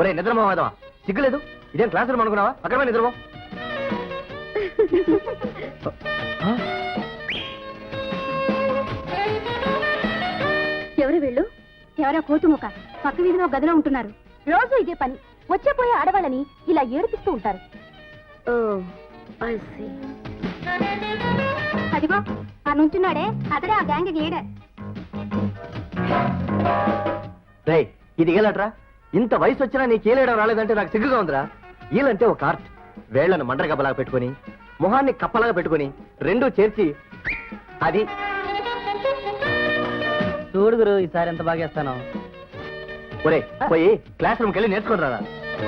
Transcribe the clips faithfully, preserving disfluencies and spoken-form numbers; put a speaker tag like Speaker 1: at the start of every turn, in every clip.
Speaker 1: ఒరే నిద్రమోహదవా, సిగ్గులేదు? ఇదేం క్లాస్ రూమ్ అనుకున్నావా? అక్కడ నిద్రమో.
Speaker 2: ఎవరు వీళ్ళు? ఎవరో కోతి ముఖ పక్క వీధిలో గదిలో ఉంటున్నారు. రోజు ఇదే పని. వచ్చే పోయే ఆడవాళ్ళని ఇలా ఏడిపిస్తూ ఉంటారు. అదిగో ఆ నుంచున్నాడే, అతడే ఆ గ్యాంగ్ లీడర్.
Speaker 1: రే ఇది ఏలట్రా? ఇంత వయసు వచ్చినా నీకు ఏలేయడం రాలేదంటే నాకు సిగ్గుగా ఉందిరా. ఈలంటే ఒక ఆర్ట్. వేళ్లను మండ్రగబ్బలాగా పెట్టుకుని, మొహాన్ని కప్పలాగా పెట్టుకుని, రెండూ చేర్చి అది
Speaker 3: చూడుగురు ఈసారి ఎంత బాగా చేస్తాను.
Speaker 1: ఒరే పోయి క్లాస్ రూమ్కి వెళ్ళి నేర్చుకుని రారా.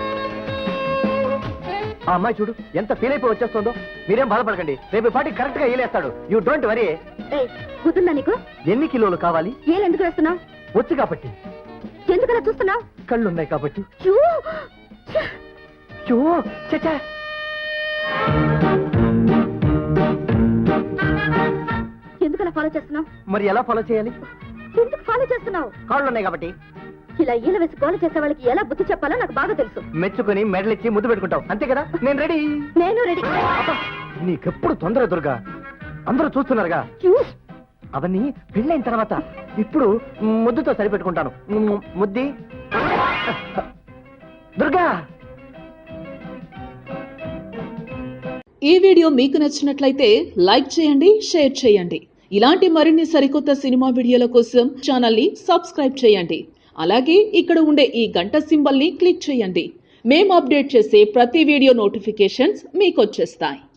Speaker 1: ఆ అమ్మాయి చూడు ఎంత ఫీల్ అయిపోయి వచ్చేస్తుందో. మీరేం బాధపడకండి, రేపు పాటి కరెక్ట్ గా ఏలేస్తాడు. You don't worry.
Speaker 2: గుర్తుందా నీకు?
Speaker 1: ఎన్ని కిలోలు కావాలి?
Speaker 2: ఏలు ఎందుకు వేస్తున్నావు?
Speaker 1: వచ్చు కాబట్టి.
Speaker 2: ఎందుకలా చూస్తున్నావు?
Speaker 1: కళ్ళున్నాయి కాబట్టి.
Speaker 2: చూ
Speaker 1: చూ చచ్చా.
Speaker 2: ఎందుకలా ఫాలో చేస్తున్నావు?
Speaker 1: మరి ఎలా ఫాలో చేయాలి?
Speaker 2: ఎందుకు ఫాలో చేస్తున్నావు?
Speaker 1: కాళ్ళున్నాయి కాబట్టి.
Speaker 2: ఇలా ఈల వేసి గోల చేసే వాళ్ళకి ఎలా బుద్ధి చెప్పాలో నాకు బాగా తెలుసు.
Speaker 1: మెచ్చుకుని మెడల్ ఇచ్చి ముద్దు పెట్టుకుంటావు అంతే కదా? నేను రెడీ.
Speaker 2: నేను రెడీ.
Speaker 1: నీకెప్పుడు తొందర దుర్గా, అందరూ చూస్తున్నారుగా. అవన్నీ పెళ్ళైన తర్వాత. ఇప్పుడు ముద్దుతో సరిపెట్టుకుంటాను. ముద్ది దుర్గా.
Speaker 4: ఈ వీడియో మీకు నచ్చినట్లయితే లైక్ చేయండి, షేర్ చేయండి. ఇలాంటి మరిన్ని సరికొత్త సినిమా వీడియోల కోసం ఛానల్ ని సబ్స్క్రైబ్ చేయండి. అలాగే ఇక్కడ ఉండే ఈ గంట సింబల్ ని క్లిక్ చేయండి. మేము అప్డేట్ చేసే ప్రతి వీడియో నోటిఫికేషన్స్ మీకు వచ్చేస్తాయి.